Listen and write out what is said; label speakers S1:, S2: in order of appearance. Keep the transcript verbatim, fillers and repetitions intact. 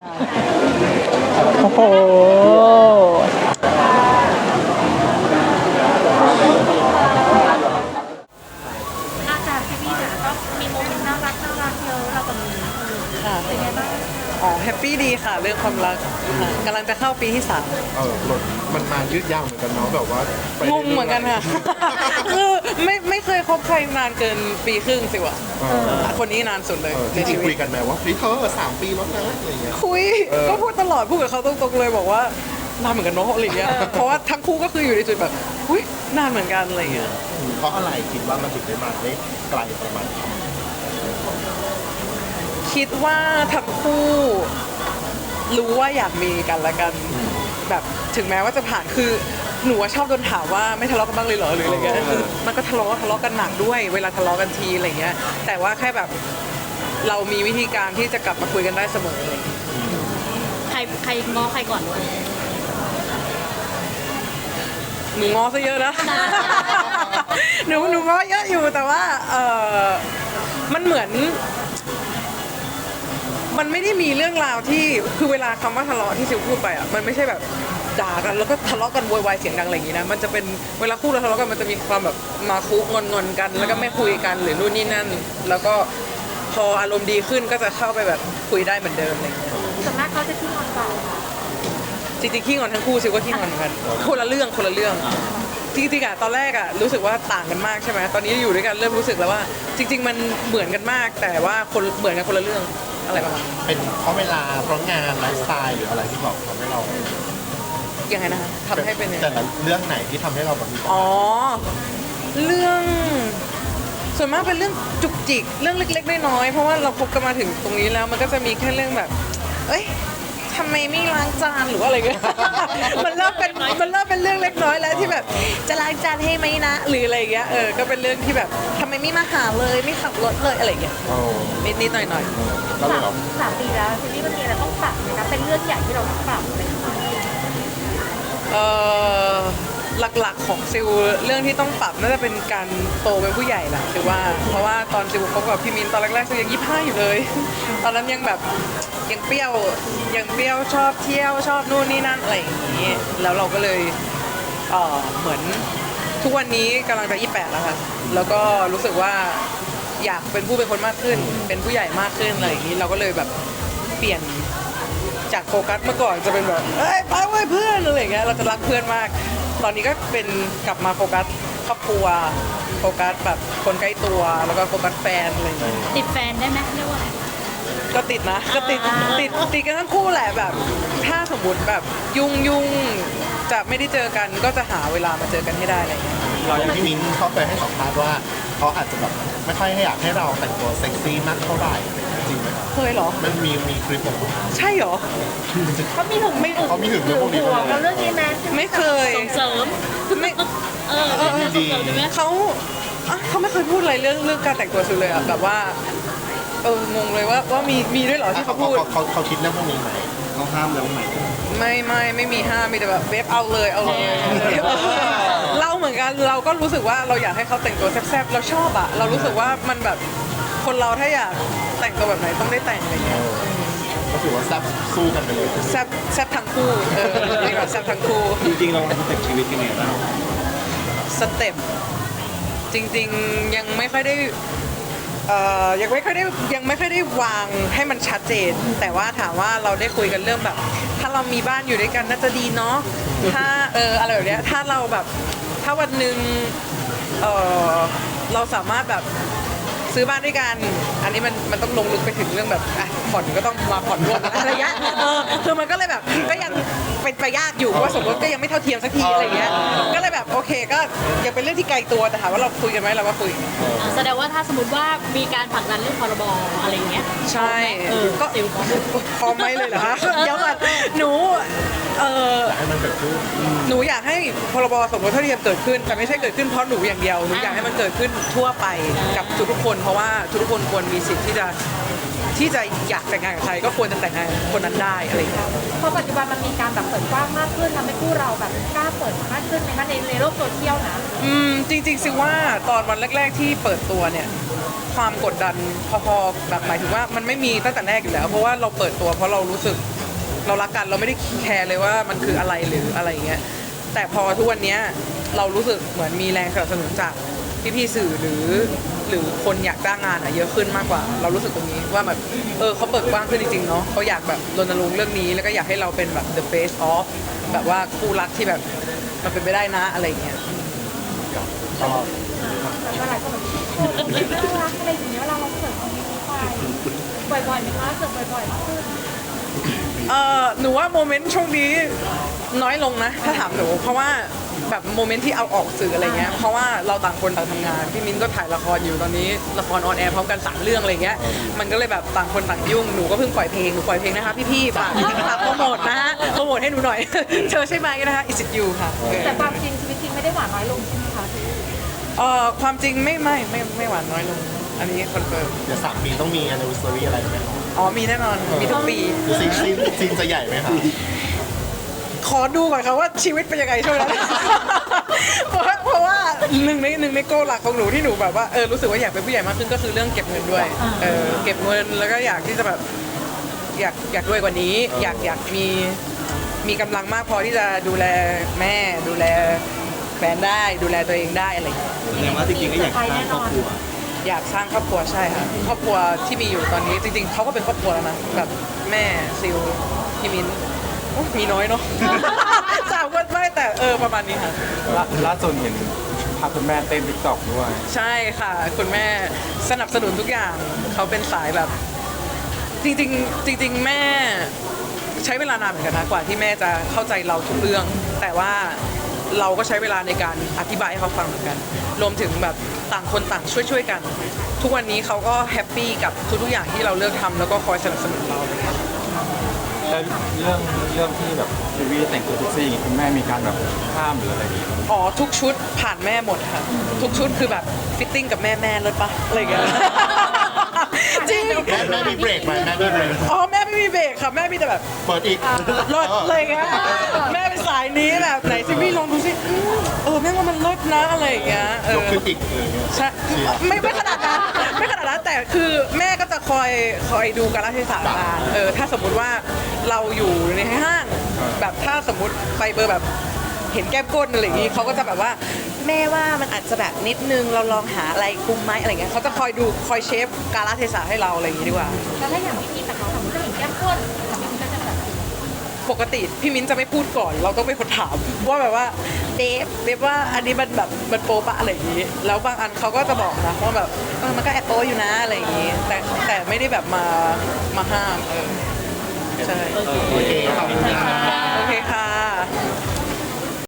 S1: โอ้โห
S2: อาจารย์พี่พี่เนี่ยก็มีโมเมนต์น่ารักน่ารักเยอะเรากับมี
S1: ค่ะ
S2: เป็นไงบ้าง
S1: อ๋อแฮปปี้ดีค่ะเรื่องความรักค่ะกำลังจะเข้าปีที่สาม
S3: เออรถมันมายืดยาวเหมือนกันเนาะแบบว่าไป
S1: งงเหมือนกันค่ะ คือไม่ไม่เคยคบใครนานเกินปีครึ่งสิวะ
S3: เออ
S1: คนนี้นานสุดเลย
S3: เออ
S1: ใน
S3: จริ
S1: ชี
S3: งๆ
S1: วิ
S3: คุ
S1: ต
S3: ยกันไหมว่าเฮ้ยเธอสามปีแล้วนะอะไรเงี้ย
S1: คุย
S3: เออ
S1: ก็พูดตลอดพูดกับเขาตรงๆเลยบอกว่านานเหมือนกันเนาะอะไรเงี้ยเพราะว่าทั้งคู่ก็คืออยู่ในจุดแบบอุ้ยนานเหมือนกันอะไรเงี้ย
S3: เพราะอะไรคิดว่ามันถึงได้มาได้ไกลประมาณนี้
S1: คิดว่าทั้งคู่รู้ว่าอยากมีกันและกันแบบถึงแม้ว่าจะผ่านคือหนูว่าชอบโดนถามว่าไม่ทะเลาะกันบ้างเลยเหรอหรืออะไรเงี้ยคือมันก็ทะเลาะทะเลาะกันหนักด้วยเวลาทะเลาะกันทีอะไรเงี้ยแต่ว่าแค่แบบเรามีวิธีการที่จะกลับมาคุยกันได้เสมอเลย
S2: ใครใครง้อใครก่อน
S1: หนูง้อซะเยอะนะ หนูหนูง้อเยอะอยู่แต่ว่าเออมันเหมือน มันไม่ได้มีเรื่องราวที่คือเวลาคำว่าทะเลาะที่ซิวพูดไปอ่ะมันไม่ใช่แบบด่ากันแล้วก็ทะเลาะกันโวยวายเสียงดังอะไรอย่างงี้นะมันจะเป็นเวลาคู่เราทะเลาะกันมันจะมีความแบบมาคุกงอนงอนๆกัน แล้วก็ไม่คุยกันหรือนู่นนี่นั่น แล้วก็พออารมณ์ดีขึ้นก็จะเข้าไปแบบคุยได้เหมือนเดิมอะไรอย่างเงี้ย
S2: ส่วนมากเขาจะขี้งอนเรา
S1: จริงๆขี้งอนทั้งคู่ซิวก็ขี้งอนเหมือนกันคนละเรื่องคนละเรื่องจริงๆอะตอนแรกอะรู้สึกว่าต่างกันมากใช่ไหมตอนนี้อยู่ด้วยกันเริ่มรู้สึกแล้วว่า จริง ๆ มันเหมือนกันมาก แต่ว่าคนเหมือนกันคนละเรื่องอะไรประมาณนั้น
S3: เป็นเพราะเวลาเพราะงานไลฟ์สไตล์หรืออะไรที่บอกทำให้เรา
S1: ยังไงนะคะทำให้เป็นยังไง
S3: แต่ละเรื่องไหนที่ทำให้เราแบบมีความ
S1: อ๋อ เรื่องส่วนมากเป็นเรื่องจุกจิกเรื่องเล็กๆน้อยๆเพราะว่าเราคบกันมาถึงตรงนี้แล้วมันก็จะมีแค่เรื่องแบบ เอ้ยทำไมไม่ล้างจานหรือว่าอะไรเงี้ย มันเริ่มเป็นมันเริ่มเป็นเรื่องเล็กน้อยแล้วที่แบบจะล้างจานให้ไหมนะหรืออะไรเงี้ยเออก็เป็นเรื่องที่แบบทำไมไม่มาหาเลยไม่ขับรถเลยอะไรเงี้ย
S3: เออ
S1: นิดๆหน่อย
S3: ก็เลย
S2: สาม
S3: แบบ
S2: สามปีแล้วทีนี้มันมีอะไรต้องปรับไหมคะเป็นเรื่องใหญ่ที่เราต้องปรับไหมคะ
S1: ๆเออหลักๆของซิลเรื่องที่ต้องปรับน่าจะเป็นการโตเป็นผู้ใหญ่แหละคือว่าเพราะว่าตอนซิลคบกับพี่มินตอนแรกๆซิลยังยี่สิบห้าอยู่เลย ตอนนั้นยังแบบยังเปรี้ยวยังเปรี้ยวชอบเที่ยวชอบนู่นนี่นั่นอะไรอย่างนี้แล้วเราก็เลยเออเหมือนทุกวันนี้กำลังจะยี่สิบแปดแล้วค่ะแล้วก็รู้สึกว่าอยากเป็นผู้เป็นคนมากขึ้น เป็นผู้ใหญ่มากขึ้นอะไรอย่างนี้เราก็เลยแบบเปลี่ยน จากโฟกัสเมื่อก่อนจะเป็นแบบเอ้ยไปเว้ยเพื่อนอะไรอย่างเงี้ยเราจะรักเพื่อนมาก ตอนนี้ก็เป็นกลับมาโฟกัสครอบครัวโฟกัสแบบคนใกล้ตัวแล้วก็โฟกัสแฟนอะไรอย่างเงี้ย
S2: ติดแฟนได้ไหมเรียกว่า
S1: ก็ติดนะก็ติด
S2: อ่า
S1: ติดติดกันทั้งคู่แหละแบบ ถ้าสมมติแบบยุ่งยุ่งจะไม่ได้เจอกันก็จะหาเวลามาเจอกันให้ได้อะไรอย่างเงี้ย
S3: เราอย่างพี่มิ้นเขาเคยให้สัมภาษณ์ว่าเขาอาจจะแบบไม่ค่อยให้อยากให้เราแต่งตัวเซ็กซี่มากเท่าไหร่อะไรเงี้ยจริงไหมครับ
S1: เคยเหรอ
S3: มันมีมีคลิปออกมา
S1: ใช่เหรอ
S2: เขามีหึงไม่หึง
S3: เขามีหึงเรื่องพวกนี้
S2: ห่วง
S3: ไหม
S2: เราเรื่องนี้ไหม
S1: ไม่เคย
S2: ส่งเสริม
S1: คือไม่
S2: เออเออส่งเสริมใช่ไหม
S1: เขาอ่ะเขาไม่เคยพูดอะไรเรื่องเรื่องการแต่งตัวสุดเลยอะแบบว่าเอองงเลยว่าว่ามีมีด้วยเหรอที่
S3: เขา
S1: เขา
S3: เขา
S1: พูด
S3: เขาเขาคิดเรื่องพวกนี้ไหมเขาห้ามแล้วไหม
S1: ไม่ไม่ไม่มีห้ามมีแต่แบบเวฟเอาเลยเอาเลยเราเหมือนกันเราก็รู้สึกว่าเราอยากให้เขาแต่งตัวแซ่บๆเราชอบอะเรารู้สึกว่ามันแบบคนเราถ้าอยากแต่งตัวแบบไหนต้องได้แต่งอะไรเงี้ย
S3: ก็ถือว่าแซ่บสู้กันไปเลย
S1: แซ่บแซ่บทั้งคู่เออดีกว่าแซ่บทั้งคู่
S4: จริงๆเราสเต็ปชีวิตยังไงบ้าง
S1: สเต็ปจริงๆยังไม่ค่อยได้เอ่อยังไม่ค่อยได้ยังไม่ค่อยได้วางให้มันชัดเจน แต่ว่าถามว่าเราได้คุยกันเรื่องแบบ ถ้าเรามีบ้านอยู่ด้วยกันน่าจะดีเนาะถ้าเอออะไรแบบเนี้ยถ้าเราแบบถ้าวันหนึ่งเออเราสามารถแบบซื้อบ้านด้วยกัน อันนี้มันมันต้องลงลึกไปถึงเรื่องแบบอ่ะผ่อนก็ต้องมาผ่อนร่วมกันอะไรเงี้ยเออคือมันก็เลยแบบก็ยังเป็นไปยากอยู่เพราะว่าสมรสก็ยังไม่เท่าเทียมสักทีอะไรเงี้ยก็เลยแบบโอเคก็ยังเป็นเรื่องที่ไกลตัวแต่ถามว่าเราคุยกันไหมเราก็คุย
S2: อ่าแสดงว่าถ้าสมมติว่ามีการผลักดันเรื่องพรบอะไรอย่างเงี้ย
S1: ใช่
S2: เออ
S1: ก็
S2: ติวของ
S1: พร้อมไหมเลยเหรอคะเดี๋ยวก่อนหนูเออ
S3: ให้มันเกิดขึ้น
S1: หนูอยากให้พรบสมรสเท่าเทียมเกิดขึ้น แต่ไม่ใช่เกิดขึ้นเพราะหนูอย่างเดียวหนูอยากให้มันเกิดขึ้นทั่วไปกับทุกๆคน เพราะว่าทุกๆคนควรมีสิทธิ์ที่จะที่จะอยากแต่งงานกับใครก็ควรจะแต่งงานกับคนนั้นได้อะไรอย่างเงี้ย
S2: เพราะปัจจุบันมันมีการแบบเปิดกว้างมากขึ้นทำให้คู่เราแบบกล้าเปิดมากขึ้นในในในโลกโซเชียลนะ
S1: อืมจริงๆซิว่าตอนวันแรก ๆที่เปิดตัวเนี่ยความกดดันพอๆแบบหมายถึงว่ามันไม่มีตั้งแต่แรกอยู่แล้ว เพราะว่าเราเปิดตัวเพราะเรารู้สึกเรารักกันเราไม่ได้แคร์เลยว่ามันคืออะไรหรืออะไรอย่างเงี้ยแต่พอทุกวันเนี้ยเรารู้สึกเหมือนมีแรงสนับสนุนจากพี่ๆสื่อหรือหรือคนอยากจ้างงานอะเยอะขึ้นมากกว่า เรารู้สึกตรงนี้ว่าแบบเออเขาเปิดกว้างขึ้นจริงๆเนาะเขาอยากแบบรณรงค์เรื่องนี้แล้วก็อยากให้เราเป็นแบบ the face of แบบว่าคู่รักที่แบบมันเป็นไปได้นะอะไรอย่างเงี้ย
S3: ชอบ
S2: แต่ว่าหลายคนแบบโอ้ยน่ารักอะไรอย่างเงี้ยเวลาเราเสิร์ฟคอมเมนต์ไปบ่อยๆไหมคะเสิร์ฟบ่อยๆมากขึ้น
S1: เออหนูว่าโมเมนต์ช่วงนี้น้อยลงนะถ้าถามหนูเพราะว่าแบบโมเมนต์ที่เอาออกสื่ออะไรเงี้ยเพราะว่าเราต่างคนต่างทำงานพี่มิ้นก็ถ่ายละครอยู่ตอนนี้ละครออนแอร์พร้อมกันสามเรื่องอะไรเงี้ยมันก็เลยแบบต่างคนต่างยุ่งหนูก็เพิ่งปล่อยเพลงหนูปล่อยเพลงนะคะพี่ๆฝากฝากโปรโมทนะฮะโปรโมทให้หนูหน่อย เธอใช่ไหมนะคะ Is it you ค่ะ
S2: แต่ความจริงชีวิตจริงไม่ได้หวานน้อยลงใช่ไหมคะ
S1: เอ่อความจริงไม่ไม่ไม่ไม่หวานน้อยลงอันนี้คอนเฟิร์ม
S3: เดี๋ยวสามปีต้องมี anniversary อะไรไหมครับ
S1: อ๋อมีแน่นอนมีทุกปี
S3: หรือซีนซีนซีนจะใหญ่ไหมครับ
S1: ขอดูก่อนค่ะว่าชีวิตเป็นยังไงช่วงนั้น เพราะว่าเพราะว่าหนึ่งในหนึ่งในโกหลักของหนูที่หนูแบบว่าเออรู้สึกว่าอยากเป็นผู้ใหญ่มากขึ้นก็คือเรื่องเก็บเงินด้วยเออเก็บเงินแล้วก็อยากที่จะแบบอยากอยากรวยกว่านี้ อยากอยากมีมีกำลังมากพอที่จะดูแลแม่ดูแลแฟนได้ดูแลตัวเองได้อะไรอย่างเงี้ย
S4: แสดงว่าจริงๆก็อยากสร้างครอบครัว
S1: อยากสร้างครอบครัวใช่ค่ะครอบครัวที่มีอยู่ตอนนี้จริง ๆเขาก็เป็นครอบครัวแล้วนะแบบแม่ซิลพี่มิ้นโอ้มีน้อยเนาะ สามคนไม่แต่เออประมาณนี้ค่ะ
S5: ล่าล่าสุดเห็นพาคุณแม่เต้นติ๊กต็อกด้วย
S1: ใช่ค่ะ คุณแม่สนับสนุนทุกอย่างเขาเป็นสายแบบ จริงๆ จริง ๆ แม่ใช้เวลานานเหมือนกันนะกว่าที่แม่จะเข้าใจเราทุกเรื่อง แต่ว่าเราก็ใช้เวลาในการอธิบายให้เขาฟังเหมือนกัน รวมถึงแบบต่างคนต่างช่วยๆกัน ทุกวันนี้เขาก็แฮปปี้กับทุกๆอย่างที่เราเลือกทำแล้วก็คอยสนับสนุนเราเลยค่ะ
S5: แล้วเรื่องเรื่องที่แบบทีวีแต่งตัวเซ็กซี่อย่างงี้คุณแม่มีการแบบห้ามหรืออะไรอย่างงี้
S1: อ๋อทุกชุดผ่านแม่หมดค่ะ ทุกชุดคือแบบฟิตติ้งกับแม่แม่เลยปะอะไรอย่างเงี้ย จริง
S3: แม่แม่มีเบรกไหมแม่มีเบรก
S1: อ๋อแม่ไม่มีเบรกค่ะแม่มีแต่แบบ
S3: เปิดอีก
S1: เลิศอะไรเงี้ยแม่เป็นสายนี้แบบไหนซิมี่ลองดูสิอืมเออแม่ว่ามันเลิศนะอะไรอย่างเงี้ยเอย
S3: ก
S1: อ
S3: ขึ้นอีกอะไรเงี้ย
S1: ใช่
S3: เชียร์
S1: ไม่ไม่ขนาดนั้นไม่ขนาดนั้นแต่คือแม่ก็จะคอยคอยดูกาลเทศะงานเออถ้าสมมุติว่าเราอยู่ในห้างแบบถ้าสมมติไปเบอร์แบบเห็นแก้มก้นอะไรอย่างงี้เขาก็จะแบบว่าแม่ว่ามันอาจจะแบบนิดนึงเราลองหาอะไรคุมไหมอะไรเงี้ยเขาจะคอยดูคอยเชฟกาลเทศะให้เราอะไรอย่างงี้ดีกว่า
S2: แล้วถ้าอย่างพี่มีแต่เขาสมมติจะเห็นแก้มก้นแต่พี่มีก็จะแบบ
S1: ปกติพี่มิ้นจะไม่พูดก่อน เราต้องเป็นคนถามว่าแบบว่าเดฟเดฟว่าอันนี้มันแบบมันโป๊ปะอะไรอย่างนี้ แล้วบางอันเขาก็จะบอกนะว่าแบบเออมันก็แอบโป๊อยู่นะอะไรอย่างนี้ แต่แต่ไม่ได้แบบมามาห้ามเออใช่
S4: โอเค